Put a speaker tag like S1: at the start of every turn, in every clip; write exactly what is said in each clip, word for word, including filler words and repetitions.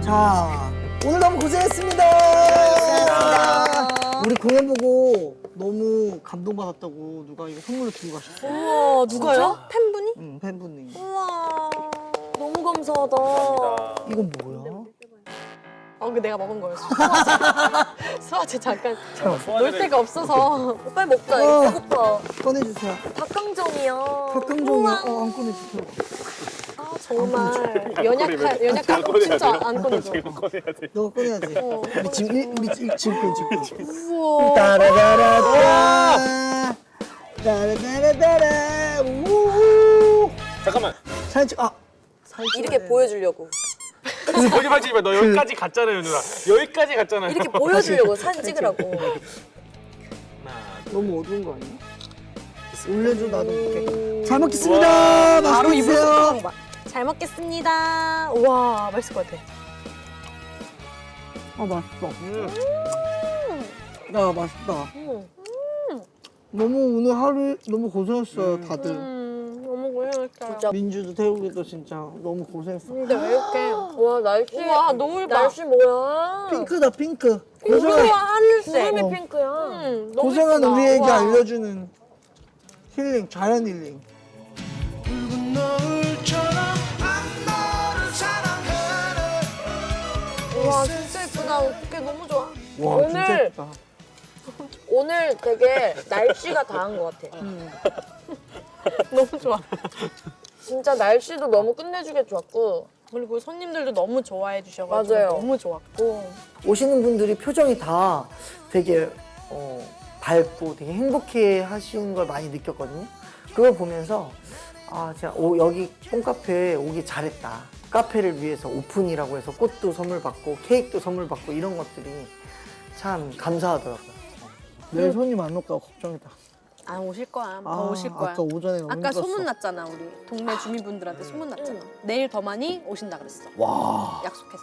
S1: 자, 오늘 너무 고생했습니다.
S2: 고생하셨습니다.
S1: 우리 공연 보고 너무 감동받았다고 누가 이거 선물로 주고 가셨어.
S2: 우와, 누가요? 팬분이?
S1: 응, 팬분이.
S2: 우와, 너무 감사하다.
S1: 이건 뭐야?
S2: 어, 그 내가 먹은 거였어. 수화제. 수화제 잠깐 놀 데가 없어서. 빨리 먹자. 이거
S1: 어.
S2: 배고파.
S1: 꺼내주세요.
S2: 닭강정이야.
S1: 닭강정이야.
S2: 우와.
S1: 어, 안 꺼내주세요.
S2: 아, 정말 연약한 연약한 진짜 안 꺼내줘.
S1: 너가 꺼내야지.
S2: 어.
S1: 우리 지금 일, 우리 지금 지금 지금.
S2: 우와.
S1: 따라라라따. 따라라라따라. 우후.
S3: 잠깐만.
S1: 사진 찍. 아. 사진
S2: 이렇게
S1: 찍어야 돼.
S2: 보여주려고.
S3: 거짓말치지 마. 너 여기까지 갔잖아요, 누나. 여기까지 갔잖아요.
S2: 이렇게 보여주려고 사진 찍으라고.
S3: 하나,
S1: 너무 어두운 거 아니야? 올려줘 나도 볼게.
S2: 음.
S1: 잘 먹겠습니다.
S2: 바로
S1: 맛있게
S2: 입을
S1: 드세요.
S2: 쏙 봐. 잘 먹겠습니다. 우와, 맛있을 것 같아.
S1: 아 맛있어.
S3: 음.
S1: 야 맛있다.
S2: 음,
S1: 너무 오늘 하루 너무 고생했어요 다들.
S2: 음 너무 고생했어요. 진짜.
S1: 민주도 태우기도 진짜 너무 고생했어.
S2: 근데 왜 이렇게? 와, 날씨.
S4: 우와, 노을 봐.
S2: 날씨 뭐야?
S1: 핑크다 핑크.
S2: 핑크야,
S1: 고생한,
S2: 하늘색.
S4: 구름이
S2: 어.
S4: 핑크야.
S2: 음, 너무
S1: 고생한
S2: 예쁘다.
S1: 우리에게
S2: 우와.
S1: 알려주는 힐링, 자연 힐링.
S2: 우와, 진짜 예쁘다. 어떡해, 너무 좋아.
S1: 와
S2: 오늘-
S1: 진짜 예쁘다.
S2: 오늘 되게 날씨가 다한 것 같아. 너무 좋아. 진짜 날씨도 너무 끝내주게 좋았고.
S4: 그리고 손님들도 너무 좋아해 주셔가지고
S2: 맞아요.
S4: 너무 좋았고.
S1: 오시는 분들이 표정이 다 되게 어, 밝고 되게 행복해 하시는 걸 많이 느꼈거든요. 그걸 보면서 아 진짜 오, 여기 뽕카페에 오기 잘했다. 카페를 위해서 오픈이라고 해서 꽃도 선물 받고 케이크도 선물 받고 이런 것들이 참 감사하더라고요. 내일 손님 안 올까 걱정이다.
S4: 안 오실 거야. 더
S1: 아,
S4: 오실 거야.
S1: 아까 오전에 너무
S4: 아까
S1: 힘들었어.
S4: 소문 났잖아, 우리 동네 주민분들한테 소문 났잖아. 내일 더 많이 오신다 그랬어.
S1: 와
S4: 약속했어.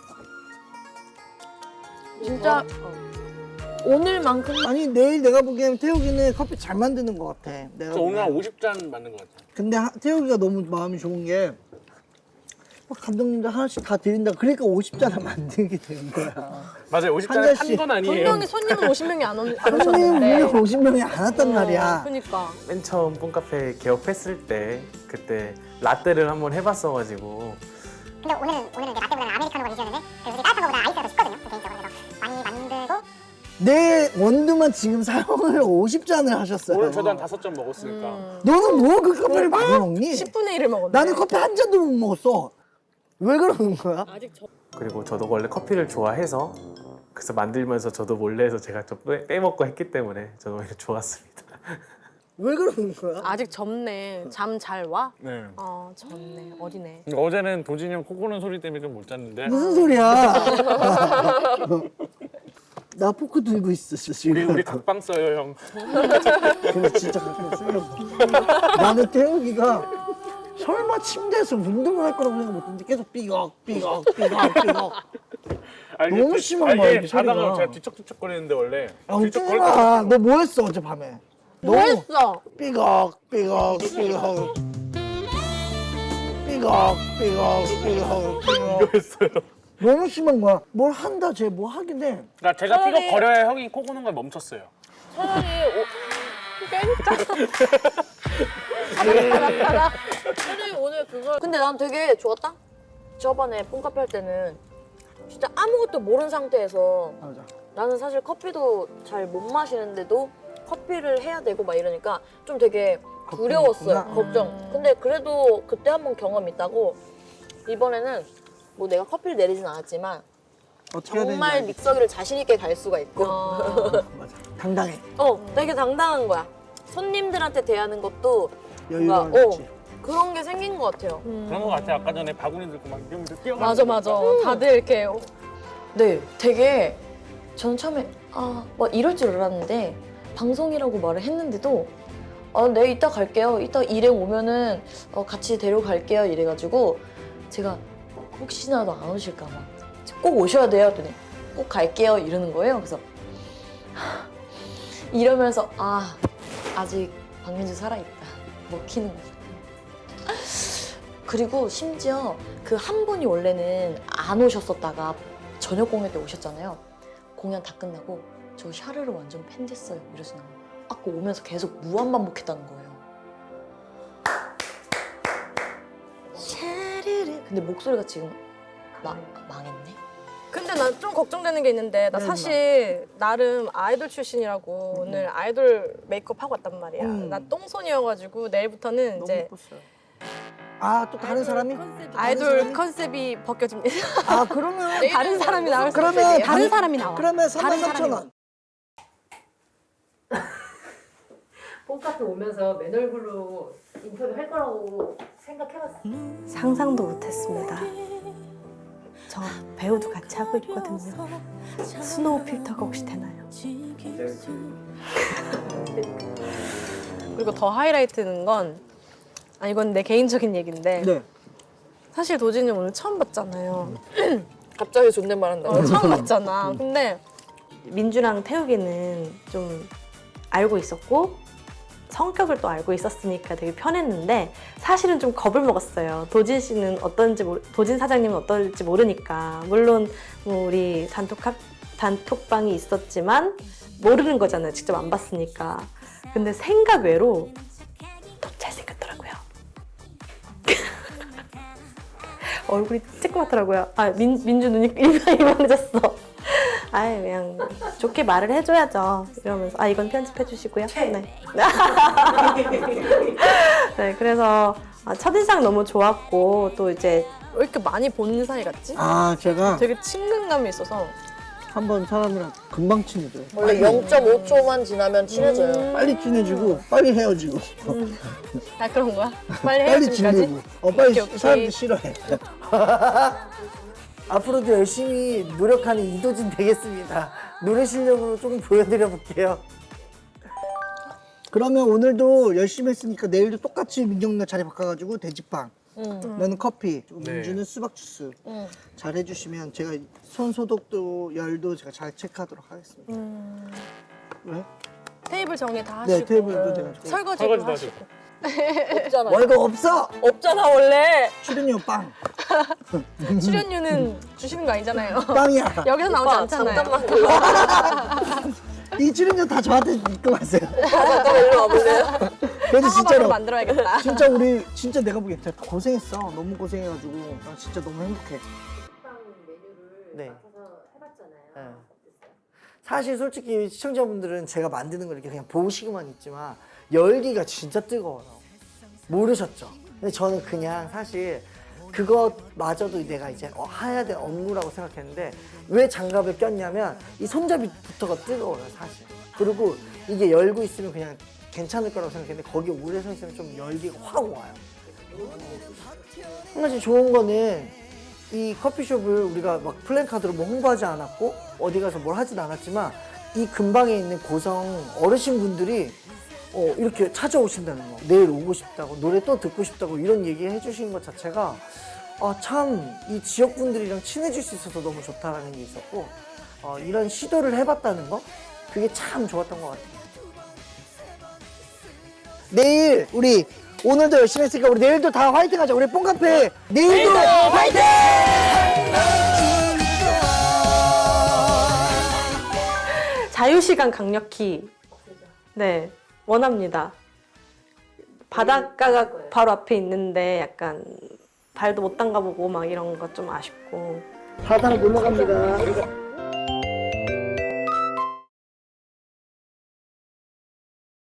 S2: 진짜 오늘만큼
S1: 아니 내일 내가 보기엔 태욱이는 커피 잘 만드는 것 같아. 내가
S3: 저 오늘 한
S1: 보기엔.
S3: 오십 잔 맞는 것 같아요.
S1: 근데 하, 태욱이가 너무 마음이 좋은 게 어, 감독님들 하나씩 다 드린다. 그러니까 오십 잔을 만들게 된 거야.
S3: 맞아요. 오십
S1: 한
S3: 잔 한
S1: 잔씩.
S3: 건 아니에요.
S4: 분명히 손님은 오십 명이 안, 오, 안
S1: 손님
S4: 오셨는데.
S1: 분명 오십 명이 안 왔단 말이야.
S4: 그러니까.
S5: 맨 처음 뽕카페 개업했을 때 그때 라떼를 한번 해봤어가지고
S6: 근데 오늘은 오늘은 이제 라떼보다는 아메리카노가 위주였는데 그래서 우리 따뜻한 거보다 아이스가 더 쉽거든요 개인적으로. 그래서 많이 만들고
S1: 내 원두만 지금 사용을 오십 잔을 하셨어요.
S3: 오늘 저도 한 다섯 잔 먹었으니까.
S1: 너는 뭐 그 커피를 많이 먹니?
S4: 십분의 일을 먹었네.
S1: 나는 커피 한 잔도 못 먹었어. 왜 그러는 거야?
S5: 그리고 저도 원래 커피를 좋아해서 그래서 만들면서 저도 몰래 해서 제가 좀 빼- 빼먹고 했기 때문에 저는 오히려 좋았습니다.
S1: 왜 그러는 거야?
S4: 아직 젊네. 잠 잘 와?
S3: 네.
S4: 어, 젊네. 어리네.
S3: 어제는 도진이 형 코 고는 소리 때문에 좀 못 잤는데.
S1: 무슨 소리야? 나 포크 들고 있었어
S3: 우리
S1: 지금.
S3: 우리 각방 써요, 형.
S1: 근데 진짜 가끔 쓰려고. 나는 태욱이가 설마 침대에서 운동을 할 거라고 생각 못했는데 계속 삐걱 삐걱 삐걱 삐걱.
S3: 아니,
S1: 너무
S3: 그-
S1: 심한
S3: 아니,
S1: 거야,
S3: 이게
S1: 이게 소리가.
S3: 자다가 제가 뒤척뒤척거리는데 원래.
S1: 아 웃지
S3: 뒤척거릴
S1: 마. 너 뭐 했어 어젯밤에?
S4: 뭐 했어?
S1: 삐걱 삐걱 삐걱 삐걱 삐걱 삐걱 삐걱
S3: 했어요.
S1: 너무 심한 거야. 뭘 한다 쟤 뭐 하긴 해.
S3: 그러니까 제가
S2: 차라리-
S3: 삐걱 거려야 형이 코 고는 걸 멈췄어요.
S2: 차라리 차라리 오늘 그걸. 근데 난 되게 좋았다. 저번에 뽕카페 할 때는 진짜 아무것도 모르는 상태에서
S1: 맞아.
S2: 나는 사실 커피도 잘 못 마시는데도 커피를 해야 되고 막 이러니까 좀 되게 두려웠어요.
S1: 걱정했구나.
S2: 걱정. 근데 그래도 그때 한번 경험 있다고 이번에는 뭐 내가 커피를 내리진 않았지만
S1: 어떻게 해야
S2: 정말
S1: 되는지
S2: 믹서기를 자신 있게 갈 수가 있고
S1: 알지. 맞아. 당당해.
S2: 어 되게 당당한 거야. 손님들한테 대하는 것도
S1: 여유가
S2: 뭔가, 어,
S1: 있지.
S2: 그런 게 생긴 것 같아요.
S3: 그런 것 같아. 아까 전에 바구니 들고 막 이러면서 뛰어가.
S4: 맞아, 맞아. 다들 이렇게
S7: 네, 되게 저는 처음에 아, 막 이럴 줄 알았는데 방송이라고 말을 했는데도 아, 네, 이따 갈게요. 이따 일행 오면은 어, 같이 데려갈게요. 이래가지고 제가 혹시나도 안 오실까 봐 꼭 오셔야 돼요. 그랬더니 꼭 갈게요. 이러는 거예요. 그래서 하, 이러면서 아, 아직 박민주 살아있다. 먹히는 거죠. 그리고 심지어 그 한 분이 원래는 안 오셨었다가 저녁 공연 때 오셨잖아요. 공연 다 끝나고 저 샤르르 완전 팬 됐어요. 이러시는 거예요. 아까 오면서 계속 무한 반복했다는 거예요. 샤르르. 근데 목소리가 지금 마, 망했네.
S2: 근데 난 좀 걱정되는 게 있는데 나
S1: 네,
S2: 사실 나름 아이돌 출신이라고 오늘 아이돌 메이크업 하고 왔단 말이야.
S1: 음.
S2: 나 똥손이어가지고 내일부터는
S1: 너무
S2: 이제
S1: 예뻤어요. 아, 또 다른 사람이?
S2: 아이돌
S1: 사람이?
S2: 컨셉이 벗겨집니다.
S1: 아, 그러면
S4: 다른 사람이 나올 수
S1: 그러면
S4: 있어요.
S1: 반-
S4: 다른 사람이 나와.
S1: 그러면 삼만
S4: 다른
S1: 삼천
S4: 사람이
S1: 원.
S8: 홈카페 오면서 맨 얼굴로 인터뷰 할 거라고 생각해봤어.
S4: 상상도 못했습니다. 저 배우도 같이 하고 있거든요. 스노우 필터가 혹시 되나요?
S2: 그리고 더 하이라이트는 건, 아, 이건 내 개인적인 얘기인데,
S1: 네.
S2: 사실 도진이 오늘 처음 봤잖아요. 갑자기 존댓말 한다. 어, 처음 봤잖아. 근데
S9: 민주랑 태욱이는 좀 알고 있었고 성격을 또 알고 있었으니까 되게 편했는데 사실은 좀 겁을 먹었어요. 도진 씨는 어떤지 모르, 도진 사장님은 어떨지 모르니까 물론 뭐 우리 단톡 카, 단톡방이 있었지만 모르는 거잖아요. 직접 안 봤으니까. 근데 생각 외로 너무 잘생겼더라고요. 얼굴이 쬐끄맣더라고요. 아 민, 민주 눈이 이만해졌어. 아예 그냥 좋게 말을 해줘야죠. 이러면서 아 이건 편집해 주시고요. 네. 네 그래서 아, 첫인상 너무 좋았고 또 이제
S2: 왜 이렇게 많이 본 사이 같지?
S1: 아, 제가
S2: 되게 친근감이 있어서.
S1: 한 번 사람이랑 금방 친해져요.
S7: 원래 영 점 오 초만 지나면 친해져요.
S1: 빨리 친해지고 빨리 헤어지고
S2: 아, 그런 거야? 빨리
S1: 빨리
S2: 헤어지기까지?
S1: 질리고 어 빨리
S2: 오케이, 오케이.
S1: 사람들 싫어해. 앞으로도 열심히 노력하는 이도진 되겠습니다. 노래 실력으로 조금 보여드려 볼게요. 그러면 오늘도 열심히 했으니까 내일도 똑같이 민경 누나 자리 바꿔가지고 돼지빵, 너는 커피,
S3: 네.
S1: 민주는 수박 주스
S2: 응.
S1: 잘 해주시면 제가 손 소독도 열도 제가 잘 체크하도록 하겠습니다. 왜?
S2: 테이블 정리 다 하시고.
S1: 네, 테이블도 제가 좀-
S2: 설거지도
S3: 설거지도
S2: 하시고.
S7: 없잖아.
S1: 월급 없어!
S2: 없잖아, 원래.
S1: 출연료 빵!
S2: 출연료는 주시는 거 아니잖아요.
S1: 빵이야!
S2: 여기서 나오지
S7: 오빠,
S2: 않잖아요.
S7: 잠깐만 일로
S1: 이 출연료 다 저한테 입금하세요.
S7: 잠깐만 일로 와볼래요?
S1: 그래도
S2: 상어밥으로
S1: 진짜로
S2: 만들어야겠다.
S1: 진짜 우리 진짜 내가 보기엔 진짜 고생했어. 너무 고생해가지고 나 진짜 너무 행복해. 네. 네. 사실 솔직히 시청자분들은 제가 만드는 걸 이렇게 그냥 보시고만 있지만 열기가 진짜 뜨거워요. 모르셨죠? 근데 저는 그냥 사실 그것마저도 내가 이제 어, 해야 될 업무라고 생각했는데 왜 장갑을 꼈냐면 이 손잡이부터가 뜨거워요 사실. 그리고 이게 열고 있으면 그냥 괜찮을 거라고 생각했는데 거기 오래 서 있으면 좀 열기가 확 와요. 한 가지 좋은 거는 이 커피숍을 우리가 막 플랜카드로 뭐 홍보하지 않았고 어디 가서 뭘 하진 않았지만 이 근방에 있는 고성 어르신분들이 어, 이렇게 찾아오신다는 거, 내일 오고 싶다고, 노래 또 듣고 싶다고 이런 얘기 해주시는 것 자체가 아, 참 이 지역분들이랑 친해질 수 있어서 너무 좋다라는 게 있었고 어, 이런 시도를 해봤다는 거 그게 참 좋았던 것 같아요. 내일 우리 오늘도 열심히 했으니까 우리 내일도 다 화이팅 하자. 우리 뽕카페 내일도 화이팅!
S9: 자유시간 강력히 네 원합니다. 바닷가가 바로 앞에 있는데 약간 발도 못 담가보고 막 이런 거 좀 아쉽고
S1: 바다로 놀러 갑니다.